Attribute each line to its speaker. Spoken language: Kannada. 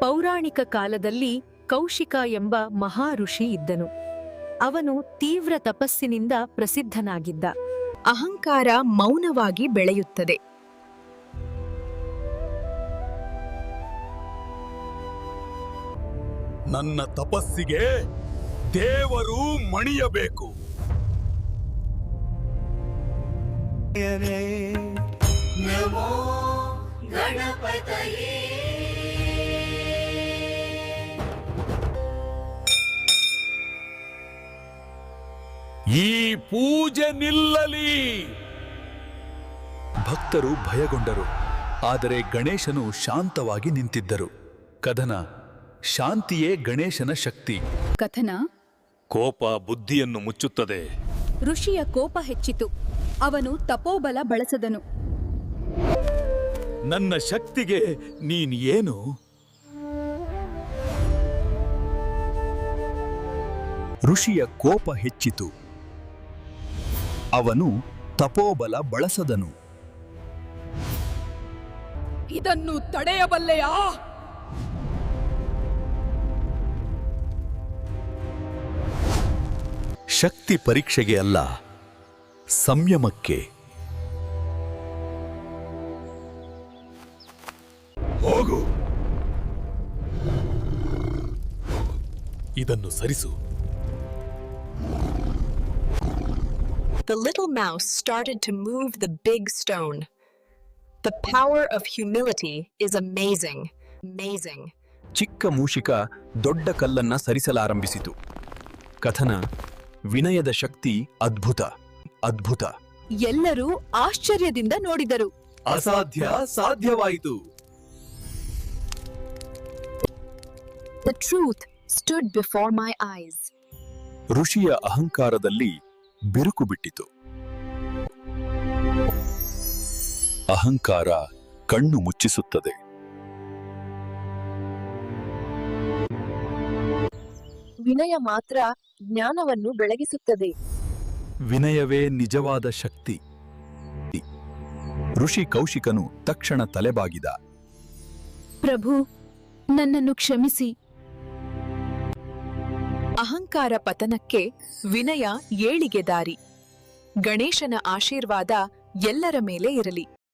Speaker 1: ಪೌರಾಣಿಕ ಕಾಲದಲ್ಲಿ ಕೌಶಿಕ ಎಂಬ ಮಹಾ ಋಷಿ ಇದ್ದನು. ಅವನು ತೀವ್ರ ತಪಸ್ಸಿನಿಂದ ಪ್ರಸಿದ್ಧನಾಗಿದ್ದ.
Speaker 2: ಅಹಂಕಾರ ಮೌನವಾಗಿ ಬೆಳೆಯುತ್ತದೆ.
Speaker 3: ನನ್ನ ತಪಸ್ಸಿಗೆ ದೇವರು ಮಣಿಯಬೇಕು.
Speaker 4: ನಮೋ ಗಣಪತಯೇ.
Speaker 3: ಈ ಪೂಜೆ ನಿಲ್ಲಲಿ.
Speaker 5: ಭಕ್ತರು ಭಯಗೊಂಡರು. ಆದರೆ ಗಣೇಶನು ಶಾಂತವಾಗಿ ನಿಂತಿದ್ದರು. ಕಥನ: ಶಾಂತಿಯೇ ಗಣೇಶನ ಶಕ್ತಿ.
Speaker 2: ಕಥನ:
Speaker 3: ಕೋಪ ಬುದ್ಧಿಯನ್ನು ಮುಚ್ಚುತ್ತದೆ.
Speaker 2: ಋಷಿಯ ಕೋಪ ಹೆಚ್ಚಿತು. ಅವನು ತಪೋಬಲ ಬಳಸದನು.
Speaker 5: ನನ್ನ ಶಕ್ತಿಗೆ ನೀನ್ ಏನು? ಋಷಿಯ ಕೋಪ ಹೆಚ್ಚಿತು. ಅವನು ತಪೋಬಲ ಬಳಸದನು.
Speaker 2: ಇದನ್ನು ತಡೆಯಬಲ್ಲೆಯಾ?
Speaker 5: ಶಕ್ತಿ ಪರೀಕ್ಷೆಗೆ ಅಲ್ಲ, ಸಂಯಮಕ್ಕೆ.
Speaker 3: ಹೋಗು, ಇದನ್ನು ಸರಿಸು.
Speaker 6: The little mouse started to move the big stone. The power of humility is amazing, amazing.
Speaker 5: ಚಿಕ್ಕ ಮೂಷಿಕ ದೊಡ್ಡ ಕಲ್ಲನ್ನ ಸರಿಸಲಾರಂಭಿಸಿತು. ಕಥನ: ವಿನಯದ ಶಕ್ತಿ ಅದ್ಭುತ, ಅದ್ಭುತ.
Speaker 2: ಎಲ್ಲರೂ ಆಶ್ಚರ್ಯದಿಂದ ನೋಡಿದರು.
Speaker 5: ಅಸಾಧ್ಯ ಸಾಧ್ಯವಾಯಿತು.
Speaker 6: The truth stood before my eyes.
Speaker 5: ಋಷಿಯ ಅಹಂಕಾರದಲ್ಲಿ ಬಿರುಕು ಬಿಟ್ಟಿತು. ಅಹಂಕಾರ ಕಣ್ಣು ಮುಚ್ಚಿಸುತ್ತದೆ.
Speaker 2: ವಿನಯ ಮಾತ್ರ ಜ್ಞಾನವನ್ನು ಬೆಳಗಿಸುತ್ತದೆ.
Speaker 5: ವಿನಯವೇ ನಿಜವಾದ ಶಕ್ತಿ. ಋಷಿ ಕೌಶಿಕನು ತಕ್ಷಣ ತಲೆಬಾಗಿದ.
Speaker 2: ಪ್ರಭು, ನನ್ನನ್ನು ಕ್ಷಮಿಸಿ.
Speaker 6: ಅಹಂಕಾರ ಪತನಕ್ಕೆ ವಿನಯ ಏಳಿಗೆ ದಾರಿ. ಗಣೇಶನ ಆಶೀರ್ವಾದ ಎಲ್ಲರ ಮೇಲೆ ಇರಲಿ.